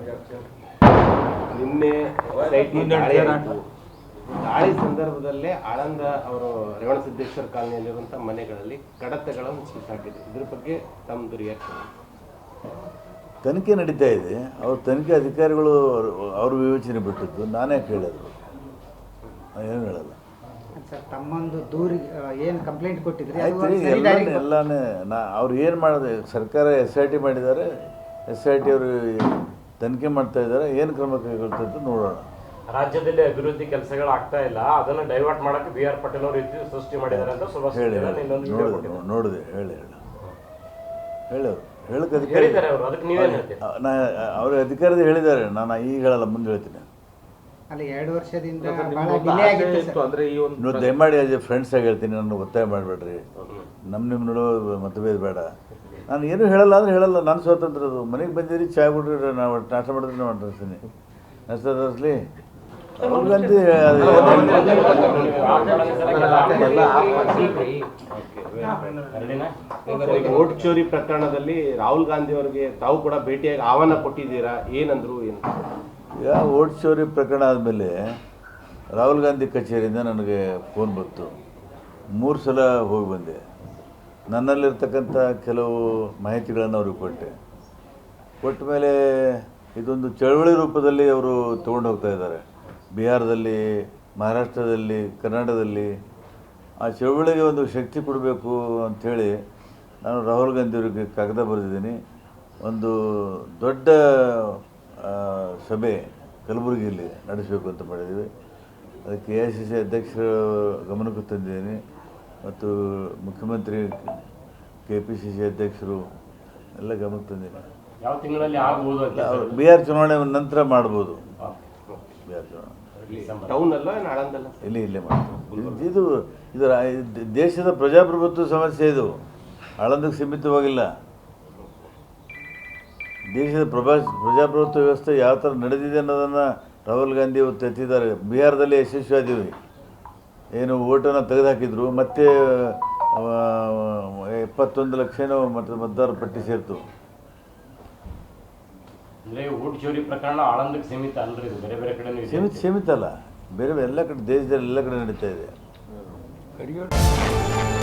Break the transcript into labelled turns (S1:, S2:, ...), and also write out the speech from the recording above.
S1: ನಿನ್ನೆ ದಾಳಿ ಸಂದರ್ಭದಲ್ಲೇ ಆಳಂದ ಅವರು ರೇವಣಸಿದ್ದೇಶ್ವರ ಕಾಲನಿಯಲ್ಲಿರುವಂತಹ ಮನೆಗಳಲ್ಲಿ ಕಡತಗಳನ್ನು ಸಿಕ್ಕಾಕಿದೆ. ಇದ್ರ ಬಗ್ಗೆ ತಮ್ಮದು ರಿಯಾಕ್ಷನ್?
S2: ತನಿಖೆ ನಡೀತಾ ಇದೆ. ಅವ್ರ ತನಿಖೆ ಅಧಿಕಾರಿಗಳು ಅವ್ರ ವಿವೇಚನೆ ಬಿಟ್ಟಿದ್ದು. ನಾನೇ ಕೇಳಿದ್ರು, ಏನು ಹೇಳಲ್ಲ.
S3: ತಮ್ಮೊಂದು ದೂರಿಗೆ ಏನು ಕಂಪ್ಲೇಂಟ್ ಕೊಟ್ಟಿದ್ರಿ?
S2: ಆಯ್ತು, ಎಲ್ಲನೇ ಅವ್ರು ಏನು ಮಾಡಿದೆ, ಸರ್ಕಾರ SIT ಮಾಡಿದ್ದಾರೆ. SIT ಅವರು ತನಿಖೆ ಮಾಡ್ತಾ ಇದ್ದಾರೆ. ಏನು ಕ್ರಮ ಕೈಗೊಳ್ತದೆ ನೋಡೋಣ.
S4: ರಾಜ್ಯದಲ್ಲಿ ಅಭಿವೃದ್ಧಿ ಕೆಲಸಗಳು ಆಗ್ತಾ ಇಲ್ಲ, ಅದನ್ನು ಡೈವರ್ಟ್ ಮಾಡಕ್ಕೆ BR ಪಾಟೀಲ್ ಅವರು ಇದ್ದು ಸೃಷ್ಟಿ ಮಾಡಿದ್ದಾರೆ ಅಂತ
S2: ಹೇಳಿ ನೋಡಿದೆ. ಹೇಳೋರು ಹೇಳಕ್ಕೆ ಅಧಿಕಾರಿ ಅವ್ರ ಅಧಿಕಾರದ ಹೇಳಿದ್ದಾರೆ. ನಾನು ಈಗ ಹೇಳಲ್ಲ, ಮುಂದೆ ಹೇಳ್ತೀನಿ.
S3: ಅಲ್ಲಿ 2 ವರ್ಷದಿಂದ
S2: ನೀವು ದಯಮಾಡಿ ಫ್ರೆಂಡ್ಸ್ ಆಗಿ ಹೇಳ್ತೀನಿ, ನಾನು ಒತ್ತಾಯ ಮಾಡಬೇಡ್ರಿ. ನಿಮ್ಮ ನೋಡೋ ಮತಭೇದ ಬೇಡ. ನಾನು ಏನೂ ಹೇಳಲ್ಲ ಅಂದರೆ ಹೇಳಲ್ಲ. ನಾನು ಸ್ವಾತಂತ್ರ್ಯ. ಅದು ಮನೆಗೆ ಬಂದಿರಿ, ಚಾ ಬಿಡ್ರಿ, ನಾವು ನಾಷ್ಟ ಮಾಡಿದ್ರೆ ನಾವು ತರಿಸ್ತೀನಿ. ನಾಷ್ಟ ತರಿಸ್ಲಿ ಅವ್ರಿಗಂತೂ
S1: ವೋಟ್ ಚೋರಿ ಪ್ರಕರಣದಲ್ಲಿ ರಾಹುಲ್ ಗಾಂಧಿ ಅವರಿಗೆ ತಾವು ಕೂಡ ಭೇಟಿಯಾಗಿ ಆಹ್ವಾನ ಕೊಟ್ಟಿದ್ದೀರಾ, ಏನಂದ್ರು?
S2: ಈಗ ವೋಟ್ ಚೋರಿ ಪ್ರಕರಣ ಆದಮೇಲೆ ರಾಹುಲ್ ಗಾಂಧಿ ಕಚೇರಿಯಿಂದ ನನಗೆ ಫೋನ್ ಬಂತು. 3 ಸಲ ಹೋಗಿ ಬಂದೆ. ನನ್ನಲ್ಲಿರ್ತಕ್ಕಂಥ ಕೆಲವು ಮಾಹಿತಿಗಳನ್ನು ಅವ್ರಿಗೆ ಕೊಟ್ಟ ಮೇಲೆ ಇದೊಂದು ಚಳವಳಿ ರೂಪದಲ್ಲಿ ಅವರು ತೊಗೊಂಡು ಹೋಗ್ತಾ ಇದ್ದಾರೆ. ಬಿಹಾರದಲ್ಲಿ, ಮಹಾರಾಷ್ಟ್ರದಲ್ಲಿ, ಕರ್ನಾಟಕದಲ್ಲಿ ಆ ಚಳವಳಿಗೆ ಒಂದು ಶಕ್ತಿ ಕೊಡಬೇಕು ಅಂಥೇಳಿ ನಾನು ರಾಹುಲ್ ಗಾಂಧಿಯವರಿಗೆ ಕಾಗದ ಬರೆದಿದ್ದೀನಿ. ಒಂದು ದೊಡ್ಡ ಸಭೆ ಕಲಬುರಗಿಯಲ್ಲಿ ನಡೆಸಬೇಕು ಅಂತ ಮಾಡಿದ್ದೀವಿ. ಅದಕ್ಕೆ AICC ಅಧ್ಯಕ್ಷರ ಗಮನಕ್ಕೂ ತಂದಿದ್ದೀನಿ ಮತ್ತು ಮುಖ್ಯಮಂತ್ರಿ KPCC ಅಧ್ಯಕ್ಷರು ಎಲ್ಲ ಗಮನಕ್ಕೆ ತಂದಿದ್ದೀನಿ.
S4: ಯಾವ ತಿಂಗಳಲ್ಲಿ ಆಗ್ಬೋದು?
S2: ಬಿಹಾರ್ ಚುನಾವಣೆ ನಂತರ ಮಾಡ್ಬೋದು. ಬಿಹಾರ್ ಚುನಾವಣೆ ಇಲ್ಲೇ ಮಾಡ್ತೀವಿ. ಇದು ದೇಶದ ಪ್ರಜಾಪ್ರಭುತ್ವ ಸಮಸ್ಯೆ. ಇದು ಆಳಂದಕ್ಕೆ ಸೀಮಿತವಾಗಿಲ್ಲ. ದೇಶದ ಪ್ರಜಾಪ್ರಭುತ್ವ ವ್ಯವಸ್ಥೆ ಯಾವ ಥರ ನಡೆದಿದೆ ಅನ್ನೋದನ್ನು ರಾಹುಲ್ ಗಾಂಧಿ ಇವತ್ತು ಎತ್ತಿದ್ದಾರೆ. ಬಿಹಾರದಲ್ಲಿ ಯಶಸ್ವಿಯಾದೀವಿ. ಏನು ಓಟನ್ನು ತೆಗೆದುಹಾಕಿದ್ರು, ಮತ್ತೆ 71 ಲಕ್ಷ ಮತದಾರ ಪಟ್ಟಿ ಸೇರ್ತು.
S4: ವೋಟ್ ಚೋರಿ ಪ್ರಕರಣ ಆಳಂದಕ್ಕೆ ಸೀಮಿತ ಅಲ್ರಿ, ಬೇರೆ ಬೇರೆ ಕಡೆ
S2: ಸೀಮಿತ ಅಲ್ಲ, ಬೇರೆ ಎಲ್ಲ ಕಡೆ, ದೇಶದಲ್ಲಿ ಎಲ್ಲ ಕಡೆ ನಡೀತಾ ಇದೆ.